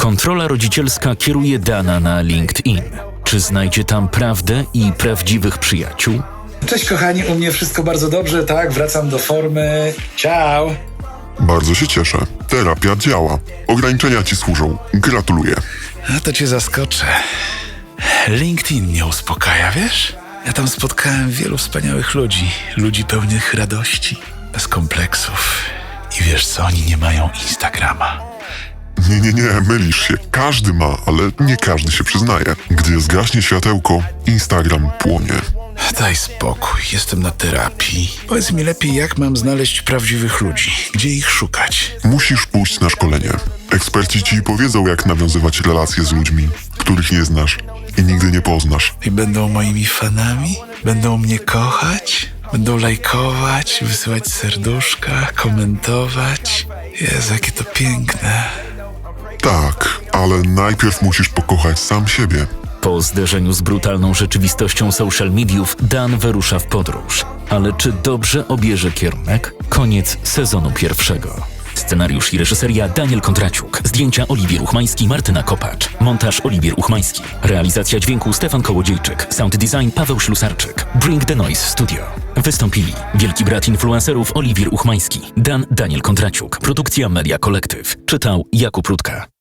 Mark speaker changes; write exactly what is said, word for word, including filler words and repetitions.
Speaker 1: Kontrola rodzicielska kieruje Dana na LinkedIn. Czy znajdzie tam prawdę i prawdziwych przyjaciół?
Speaker 2: Cześć kochani, u mnie wszystko bardzo dobrze, tak, wracam do formy. Ciao!
Speaker 3: Bardzo się cieszę. Terapia działa. Ograniczenia ci służą. Gratuluję.
Speaker 2: A to cię zaskoczę. LinkedIn mnie uspokaja, wiesz? Ja tam spotkałem wielu wspaniałych ludzi. Ludzi pełnych radości, bez kompleksów. I wiesz co, oni nie mają Instagrama.
Speaker 3: Nie, nie, nie, mylisz się. Każdy ma, ale nie każdy się przyznaje. Gdy zgaśnie światełko, Instagram płonie.
Speaker 2: Daj spokój, jestem na terapii. Powiedz mi lepiej, jak mam znaleźć prawdziwych ludzi? Gdzie ich szukać?
Speaker 3: Musisz pójść na szkolenie. Eksperci ci powiedzą, jak nawiązywać relacje z ludźmi, których nie znasz i nigdy nie poznasz.
Speaker 2: I będą moimi fanami? Będą mnie kochać? Będą lajkować, wysyłać serduszka, komentować? Jezu, jakie to piękne.
Speaker 3: Tak, ale najpierw musisz pokochać sam siebie.
Speaker 1: Po zderzeniu z brutalną rzeczywistością social mediów Dan wyrusza w podróż. Ale czy dobrze obierze kierunek? Koniec sezonu pierwszego. Scenariusz i reżyseria Daniel Kontraciuk. Zdjęcia Oliwier Uchmański, Martyna Kopacz. Montaż Oliwier Uchmański. Realizacja dźwięku Stefan Kołodziejczyk. Sound design Paweł Ślusarczyk. Bring the Noise Studio. Wystąpili wielki brat influencerów Oliwier Uchmański. Dan Daniel Kontraciuk. Produkcja Media Collective. Czytał Jakub Rutka.